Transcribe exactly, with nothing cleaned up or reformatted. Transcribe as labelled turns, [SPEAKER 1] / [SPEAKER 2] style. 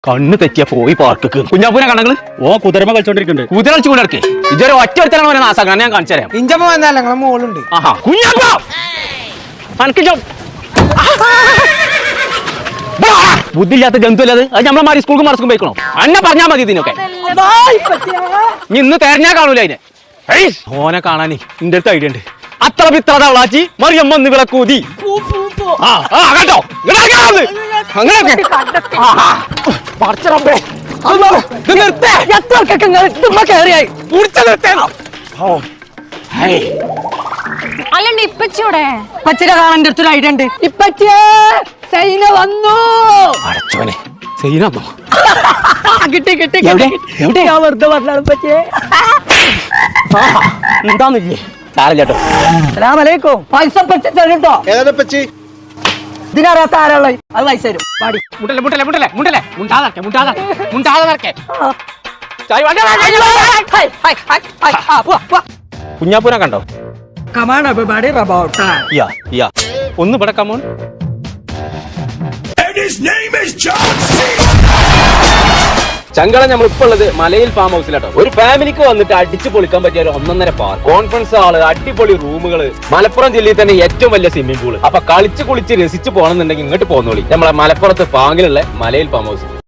[SPEAKER 1] കണ്ണ് തെറ്റിയ പോയി പാർക്ക് കുഞ്ഞാപ്പൂനെ കണങ്ങള്
[SPEAKER 2] ഓ കുതിരമ കളിച്ചോണ്ടിരിക്കുന്നുണ്ട്.
[SPEAKER 1] കുതിര കളിച്ചു കൂടെ ഇറക്കി ഇതൊരു ഒറ്റ ഒരുത്തലാണ് അവനെ നാസാക്കാൻ ഞാൻ കാണിച്ചു തരാം.
[SPEAKER 3] ഇഞ്ചമ്മ വന്നാലേ ഞങ്ങളെ മോളുണ്ട്.
[SPEAKER 1] ആഹാ കുഞ്ഞാപ്പ അനക്ക് ചോ- ബുദ്ധിയില്ലാത്ത ജന്തു അല്ലത്. അത് നമ്മളെ മാറി സ്കൂൾക്ക് മറസ്ക്കും പോയിക്കണോ? അന്നെ പറഞ്ഞാൽ മതി ഇതിനൊക്കെ. നീ ഇന്ന് തെരഞ്ഞാ കാണൂല അതിനെ. ഹേയ്, ഓനെ കാണാനേ ഇന്റെ അടുത്ത് ഐഡിയ ഉണ്ട്. അത്ര പിത്രത അവളാച്ചി മറിയമ്മ ഒന്ന് വിളക്കൂതി കേട്ടോ അങ്ങനെയൊക്കെ
[SPEAKER 4] അല്ലണ്ട് ഇപ്പച്ചൂടെ
[SPEAKER 3] ഇപ്പച്ചിനെ കാണാൻ എൻ്റെ അടുത്തൊരു ഐഡിയ ഉണ്ട്. ഇപ്പച്ചേ സൈന വന്നു.
[SPEAKER 1] അടച്ചോനെ സൈനോ
[SPEAKER 3] കിട്ടി കിട്ടി
[SPEAKER 1] എവിടെ? എവിടെ?
[SPEAKER 3] ഞാൻ വെറുതെ പറഞ്ഞാണ് ഇപ്പച്ചേ.
[SPEAKER 1] എന്താന്നില്ലേ സാരല്ലോ.
[SPEAKER 3] അസ്സലാമലൈക്കും. പൈസ പറ്റി തരുട്ടോ. ഇതിനറിയാത്ത ആരാളെ അത് പൈസ തരും. പാടി
[SPEAKER 1] മുട്ടല്ലേ മുട്ടല്ലേ മുട്ടല്ലേ മുട്ടല്ലേ മുണ്ടാതെ മുണ്ടാതെ മുണ്ടാതെ കുഞ്ഞാപ്പൂനെ കണ്ടോ?
[SPEAKER 3] കമാൺ എവരിബഡി റബൗട്ട്
[SPEAKER 1] യാ യാ ഒന്ന് ഇവിടെ കമോൺ. ചങ്കള നമ്മൾ ഇപ്പൊ ഉള്ളത് മലയിൽ ഫാം ഹൗസിലാട്ടോ. ഒരു ഫാമിലിക്ക് വന്നിട്ട് അടിച്ചു പൊളിക്കാൻ പറ്റിയ ഒരു ഒന്നൊന്നര പാർക്ക്, കോൺഫറൻസ് ഹാള്, അടിപൊളി റൂമുകള്, മലപ്പുറം ജില്ലയിൽ തന്നെ ഏറ്റവും വലിയ സ്വിമ്മിംഗ് പൂള്. അപ്പൊ കളിച്ച് കുളിച്ച് രസിച്ച് പോകണമെന്നുണ്ടെങ്കിൽ ഇങ്ങോട്ട് പോന്നോളി. നമ്മളെ മലപ്പുറത്ത് പാങ്ങിലുള്ള മലയിൽ ഫാം ഹൗസ്.